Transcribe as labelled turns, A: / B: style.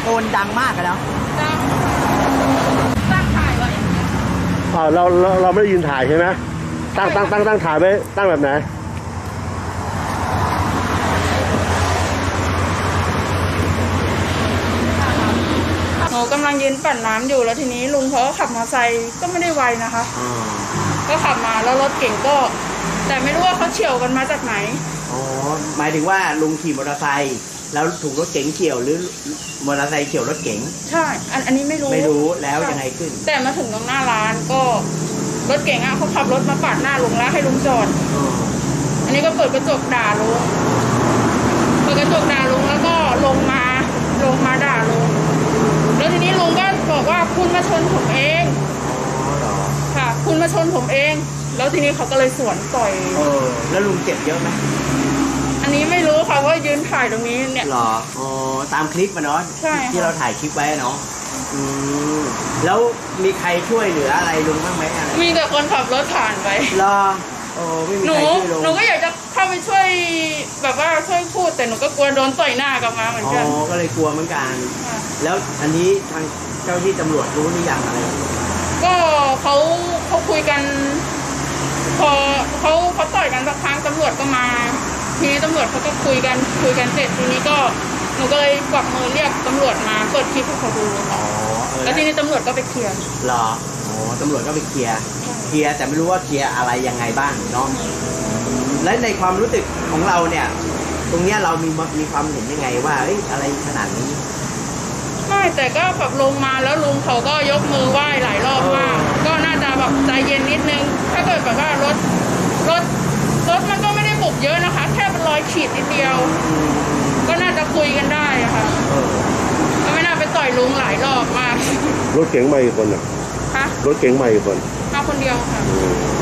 A: โกนดังมากกันแล้ว
B: ตั้งถ่ายไว้อย่างเงี้ย
C: เราไม่ได้ยืนถ่ายใช่ไหมตั้งถ่ายไว้ตั้งแบบไหน
B: หนูกำลังยืนปั่นน้ำอยู่แล้วทีนี้ลุงเขาก็ขับมอเตอร์ไซค์ก็ไม่ได้ไวนะคะก็ขับมาแล้วรถเก่งก็แต่ไม่รู้ว่าเขาเฉี่ยวกันมาจากไหน
A: อ๋อหมายถึงว่าลุงขี่มอเตอร์ไซค์แล้วถูกรถเก๋งเฉี่ยวหรือมอเตอร์ไซค์เฉี่ยวรถเก๋ง
B: ใช่อันนี้ไม่รู้
A: แล้วยังไงขึ้น
B: แต่มาถึงตรงหน้าร้านก็รถเก๋งเขาขับรถมาปาดหน้าลุงแล้วให้ลุงจอดอันนี้ก็เปิดกระจกด่าลุงแล้วก็ลงมาด่าลุงแล้วทีนี้ลุงก็บอกว่าคุณมาชนผมเองค่ะคุณมาชนผมเองแล้วทีนี้เขาก็เลยสวนต่อย
A: แล้วลุงเจ็บเยอะไหม
B: อันนี้ไม่รู้ค่ะว่ายืนถ่ายตรงนี้เนี่ย
A: หรอตามคลิปมาเนาะ
B: ใช่
A: ที่เราถ่ายคลิปไว้เนาะแล้วมีใครช่วยเหลืออะไรลุงบ้างไหมอะไร
B: มีแต่คนขับรถผ่านไป
A: รอไม่มีใครช่วยลุง
B: หนูก็อยากจะเข้าไปช่วยแบบว่าช่วยพูดแต่หนูก็กลัวโดนต่อยหน้ากลับมาเหมือนกัน
A: ก็เลยกลัวเหมือนกันแล้วอันนี้ทางเจ้าที่ตำรวจรู้หรือยังอะไร
B: ก็เขาคุยกันพอเขาต่อยกันสักครั้งตำรวจก็มาทีนี้ตำรวจเขาก็คุยกันเสร็จทีนี้ก็หนูก็เลยกวักมือเรียกตำรวจมาเปิดคลิปให้เขาดูแล้วทีนี้ตำรวจก็ไปเคลียร์
A: หรอตำรวจก็ไปเคลียร์แต่ไม่รู้ว่าเคลียร์อะไรยังไงบ้างเนาะและในความรู้สึกของเราเนี่ยตรงเนี้ยเรามีความเห็นยังไงว่าอะไรขนาดนี้
B: ไม่แต่ก็แบบลงมาแล้วลุงเขาก็ยกมือไหว้หลายรอบมากก็น่าจะแบบใจเย็นนิดนึงถ้าเกิดแบบว่ารถมันก็ไม่ได้บุบเยอะนะคะแค่เป็นรอยขีดนิดเดียวก็น่าจะคุยกันได้ค่ะก็ไม่น่าไปต่อยลุงหลายรอบมาก
C: รถเก๋งมากี่คนอ่ะ
B: ฮะ
C: รถเก๋งมากี่คน
B: มาคนเดียวค่ะ